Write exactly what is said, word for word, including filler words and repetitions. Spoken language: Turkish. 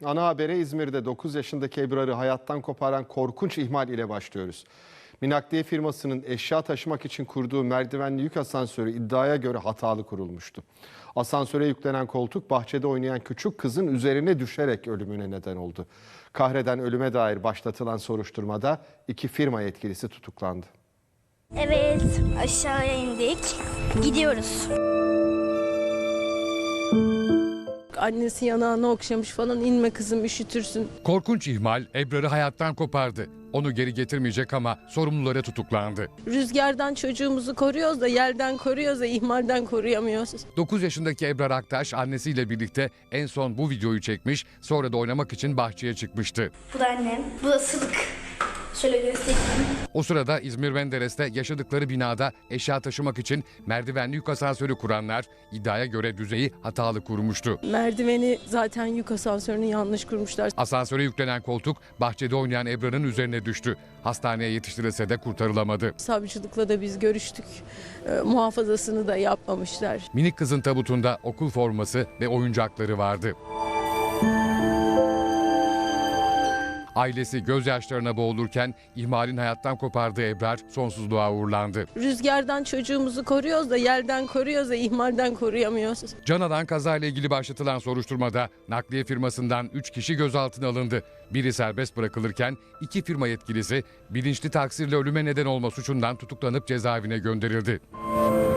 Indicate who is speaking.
Speaker 1: Ana habere İzmir'de dokuz yaşındaki Ebrar'ı hayattan koparan korkunç ihmal ile başlıyoruz. Minakliye firmasının eşya taşımak için kurduğu merdivenli yük asansörü iddiaya göre hatalı kurulmuştu. Asansöre yüklenen koltuk bahçede oynayan küçük kızın üzerine düşerek ölümüne neden oldu. Kahreden ölüme dair başlatılan soruşturmada iki firma yetkilisi tutuklandı.
Speaker 2: Evet, aşağıya indik. Gidiyoruz.
Speaker 3: Annesi yanağını okşamış falan, inme kızım üşütürsün.
Speaker 4: Korkunç ihmal Ebrar'ı hayattan kopardı. Onu geri getirmeyecek ama sorumlulara tutuklandı.
Speaker 3: Rüzgardan çocuğumuzu koruyoruz da yerden koruyoruz da ihmalden koruyamıyoruz.
Speaker 4: dokuz yaşındaki Ebrar Aktaş annesiyle birlikte en son bu videoyu çekmiş, sonra da oynamak için bahçeye çıkmıştı.
Speaker 2: Bu da annem, bu da Sıdık. Şöyle göstereyim.
Speaker 4: O sırada İzmir Menderes'te yaşadıkları binada eşya taşımak için merdivenli yük asansörü kuranlar iddiaya göre düzeyi hatalı kurmuştu.
Speaker 3: Merdiveni zaten yük asansörünü yanlış kurmuşlar.
Speaker 4: Asansöre yüklenen koltuk bahçede oynayan Ebrar'ın üzerine düştü. Hastaneye yetiştirilse de kurtarılamadı.
Speaker 3: Savcılıkla da biz görüştük. Ee, muhafazasını da yapmamışlar.
Speaker 4: Minik kızın tabutunda okul forması ve oyuncakları vardı. Ailesi gözyaşlarına boğulurken ihmalin hayattan kopardığı Ebrar sonsuzluğa uğurlandı.
Speaker 3: Rüzgardan çocuğumuzu koruyoruz da yerden koruyoruz da ihmalden koruyamıyoruz.
Speaker 4: Can alan kazayla ilgili başlatılan soruşturmada nakliye firmasından üç kişi gözaltına alındı. Biri serbest bırakılırken iki firma yetkilisi bilinçli taksirle ölüme neden olma suçundan tutuklanıp cezaevine gönderildi.